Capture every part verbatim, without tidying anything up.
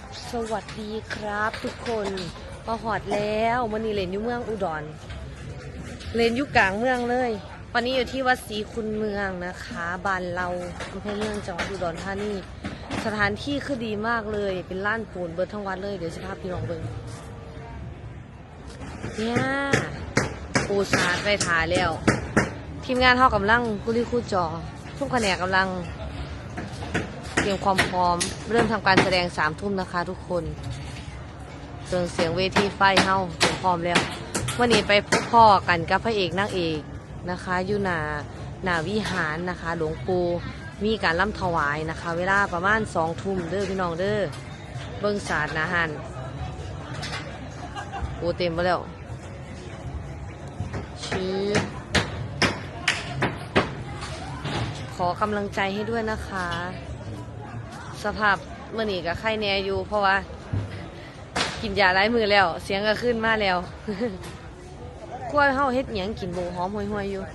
สวัสดีครับทุกคนมาหอดแล้ววันนี้เล่นอยู่เมืองอุดรเล่นอยู่กลางเมืองเลยวันนี้อยู่ที่วัดศรีคุณเมืองนะคะบ้านเราอำเภอเมืองจังหวัดอุดรธานีสถานที่คือดีมากเลยเป็นล้านปูนเบิดทั้งวัดเลยเดี๋ยวจะพาพี่น้องเบิ่งเนี่ยปูชาดไปถ่ายแล้วทีมงานเท่ากำลังกุลิคูจอทุกแผนกกำลังเตรียมความพร้อมเริ่มทำการแสดงสามทุ่มนะคะทุกคนเครื่องเสียงเวทีไฟเฮาเตรียมพร้อมแล้ววันนี้ไปพบพ่อกันกับพระเอกนางเอกนะคะอยู่หน้าหน้าวิหารนะคะหลวงปู่มีการล่ำถวายนะคะเวลาประมาณสองทุ่มเด้อพี่น้องเด้อเบิ้งศาสตร์นะฮันโอ้เต็มไปแล้วชื่อขอกำลังใจให้ด้วยนะคะสภาพเมื่อนี้กับไข้แน่อยู่เพราะว่ากินยาไร้มือแล้วเสียงก็ขึ้นมาแล้วกล้วยเฮาเฮ็ดหยังกินบูหอมห่วยๆอยู่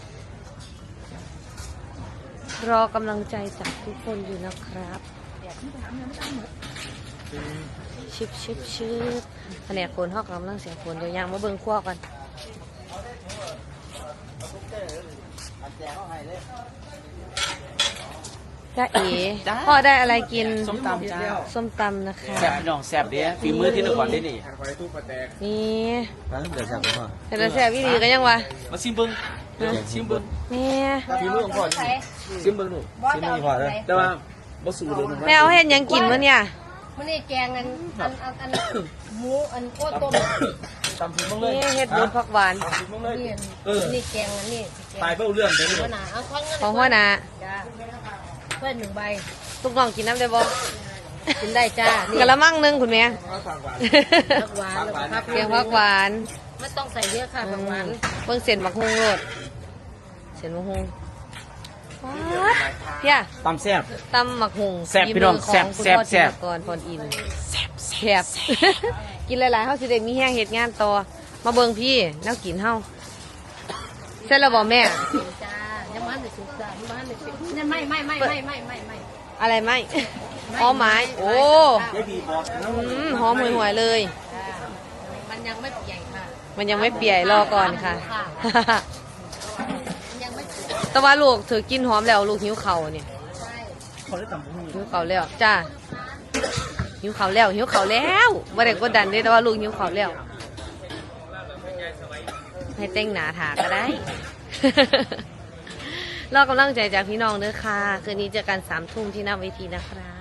รอกำลังใจจากทุกคนอยู่นะครับชิบชิบชิบแผนกคนเฮากำลังเสียงคนเดี๋ยวยังมาเบิ่งขั้วกันจ้าเอ๋พ่อได้อะไรกินส้มตำจ้าส้มตำนะคะแซ่บพี่น้องแซ่บเด้ฝีมือที่นครได้นี่นี่ร้านเดือดแซ่บพ่อแต่ละแซ่บพี่ดีก็ยังวะมาซิมเบิ้งซิมเบิ้งแม่ฝีมือของพ่อซิมเบิ้งหนูซิมมือพ่อเลยแต่ว่าบ่สูเลยแม่เอาเห็นยังกินมั้เนี่ยมันนี่แกงอันอันอันอันหมูอันโคตรต้มตำถึงบ้างเลยนี่เห็ดบุญผักหวานนี่นี่แกงอันนี้ตายเบ้าเรื่องเด้หัวหน้าเอาข้างเงินของหัวหน้าจ้าเพื่อนหนึ่งใบลูกน้องกินน้ำได้บ่กินได้จ้ากะละมังนึงคุณแม่ผักหวานแล้วก็เพียงผักหวานไม่ต้องใส่เยอะค่ะผักหวานเพิ่งเส้นบักฮุงโลดเส้นบักฮุงพี่อะตำแซ่บตำบักฮุงแซ่บพี่น้องแซ่บแซ่บแซ่บก่อนพรอินแซ่บแซ่บกินหลายๆเฮาสิได้มีแห้งเฮ็ดงานต่อมาเบิ่งพี่แล้วกินเฮาเสร็จแล้วบ่แม่จ้ายังมันสุกจ้ายังมันสุกยังไม่ไม่ไม่ไม่ไม่ไม่ไม่อะไรไม่หอมไม้โอ้หอมห่วยๆเลยมันยังไม่เปียกค่ะมันยังไม่เปียกรอก่อนค่ะยังไม่แต่ว่าลูกเธอกินหอมแล้วลูกหิวเข่าเนี่ยหิวเข่าแล้วจ้าหิวเข่าแล้วหิวเข่าแล้วบ่ได้กดดันเลยแต่ว่าลูกหิวเข่าแล้วให้เต้งหนาถาก็ได้รอกำลังใจจากพี่น้องเด้อค่ะคืนนี้เจอกันสามทุ่มที่หน้าเวทีนะครับ